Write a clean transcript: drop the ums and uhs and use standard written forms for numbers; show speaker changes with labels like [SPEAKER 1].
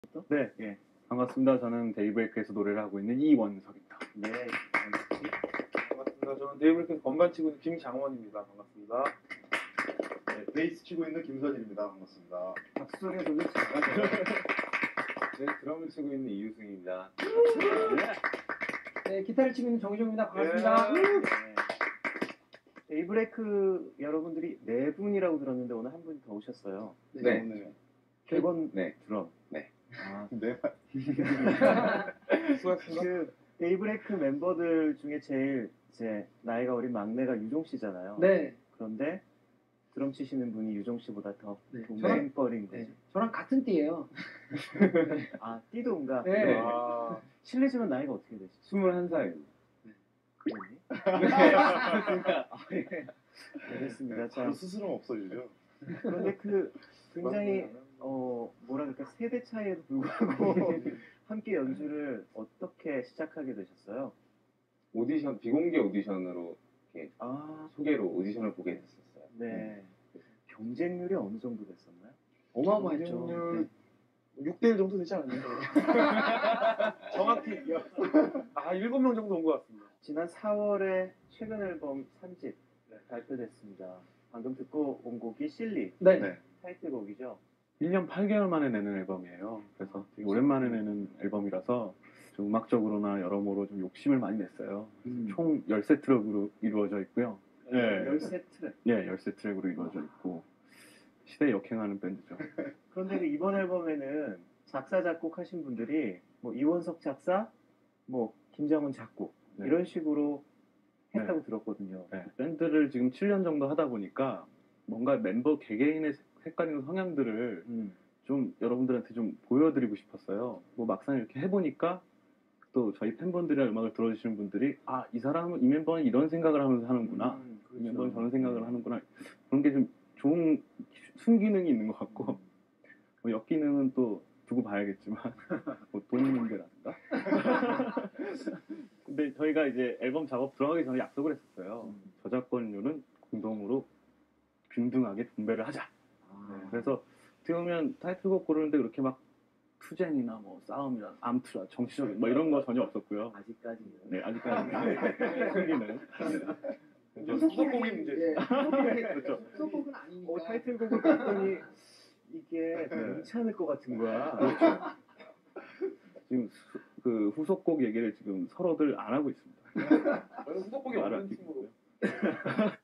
[SPEAKER 1] 네, 예. 반갑습니다. 저는 데이브레이크에서 노래를 하고 있는 이원석입니다.
[SPEAKER 2] 네,
[SPEAKER 3] 반갑습니다. 저는 데이브레이크에서 건반 치고 있는 김장원입니다. 반갑습니다.
[SPEAKER 4] 네, 베이스 치고 있는 김서진입니다. 반갑습니다.
[SPEAKER 2] 박수소리가 좀 작아져요.
[SPEAKER 1] 네, 드럼을 치고 있는 이유승입니다.
[SPEAKER 2] 네, 기타를 치고 있는 정희종입니다. 반갑습니다.
[SPEAKER 3] 예.
[SPEAKER 2] 데이브레이크 여러분들이 네 분이라고 들었는데 오늘 한 분이 더 오셨어요.
[SPEAKER 1] 네.
[SPEAKER 4] 오늘
[SPEAKER 2] 객원
[SPEAKER 1] 네.
[SPEAKER 2] 드럼.
[SPEAKER 1] 네.
[SPEAKER 2] 아,
[SPEAKER 4] 네,
[SPEAKER 3] 수고하셨습니다.
[SPEAKER 2] 그 데이브레이크 멤버들 중에 제일 이제 나이가 어린 막내가 유종 씨잖아요.
[SPEAKER 5] 네,
[SPEAKER 2] 그런데 드럼 치시는 분이 유종 씨보다 더
[SPEAKER 5] 네.
[SPEAKER 2] 동생뻘인 거죠.
[SPEAKER 5] 네. 저랑 같은 띠예요.
[SPEAKER 2] 아, 띠동가.
[SPEAKER 5] 네.
[SPEAKER 3] 아,
[SPEAKER 2] 실례지만 나이가 어떻게 되시죠?
[SPEAKER 1] 21살입니다.
[SPEAKER 2] 그러니? 알겠습니다. 자,
[SPEAKER 4] 바로 스스럼 없어지죠.
[SPEAKER 2] 그런데 그 굉장히 뭐라 그럴까 세대 차이에도 불구하고 함께 연주를 어떻게 시작하게 되셨어요?
[SPEAKER 1] 오디션, 비공개 오디션으로 이렇게
[SPEAKER 2] 아,
[SPEAKER 1] 소개로 오디션을 보게 됐었어요.
[SPEAKER 2] 네. 경쟁률이 어느 정도 됐었나요?
[SPEAKER 5] 어마어마했죠.
[SPEAKER 3] 경쟁률 6대1 정도 되지 않았나요? 정확히 7명 정도 온 것 같습니다.
[SPEAKER 2] 지난 4월에 최근 앨범 3집 발표됐습니다. 방금 듣고 온 곡이 실리
[SPEAKER 5] 네.
[SPEAKER 4] 네.
[SPEAKER 2] 타이틀곡이죠.
[SPEAKER 6] 1년 8개월 만에 내는 앨범이에요. 그래서 되게 오랜만에 내는 앨범이라서 좀 음악적으로나 여러모로 좀 욕심을 많이 냈어요. 총 13트랙으로 이루어져 있고요. 네.
[SPEAKER 2] 13트랙.
[SPEAKER 6] 예, 13트랙으로 이루어져 있고 시대에 역행하는 밴드죠.
[SPEAKER 2] 그런데 그 이번 앨범에는 작사 작곡 하신 분들이 뭐 이원석 작사, 뭐 김장훈 작곡
[SPEAKER 6] 네.
[SPEAKER 2] 이런 식으로 했다고 들었거든요.
[SPEAKER 6] 네. 밴드를 지금 7년 정도 하다 보니까 뭔가 멤버 개개인의 색깔이나 성향들을 좀 여러분들한테 좀 보여드리고 싶었어요. 뭐 막상 이렇게 해보니까 또 저희 팬분들이나 음악을 들어주시는 분들이 아, 이 사람은, 이 멤버는 이런 생각을 하면서 하는구나. 이 멤버는 저런 생각을 하는구나. 그런 게 좀 좋은 순기능이 있는 것 같고 뭐 역기능은 또 두고 봐야겠지만 뭐 돈 문제라든가. 근데 저희가 이제 앨범 작업 들어가기 전에 약속을 했었어요. 저작권료는 공동으로 균등하게 분배를 하자. 그래서 어떻게 보면 타이틀곡 고르는데 그렇게 막 투쟁이나 뭐 싸움이나 암투라 정치적인 뭐 이런 거 전혀 없었고요.
[SPEAKER 2] 아직까지는.
[SPEAKER 6] 네, 아직까지는 승기는.
[SPEAKER 3] 수도꼭이 문제.
[SPEAKER 5] 예.
[SPEAKER 6] 그렇죠.
[SPEAKER 5] 수도꼭은 아니니까.
[SPEAKER 2] 타이틀곡을 봤더니 이게 괜찮을 것 같은 거야.
[SPEAKER 6] 지금 그 후속곡 얘기를 지금 서로들 안 하고 있습니다.
[SPEAKER 3] 저는 수도꼭이 없는 팀으로.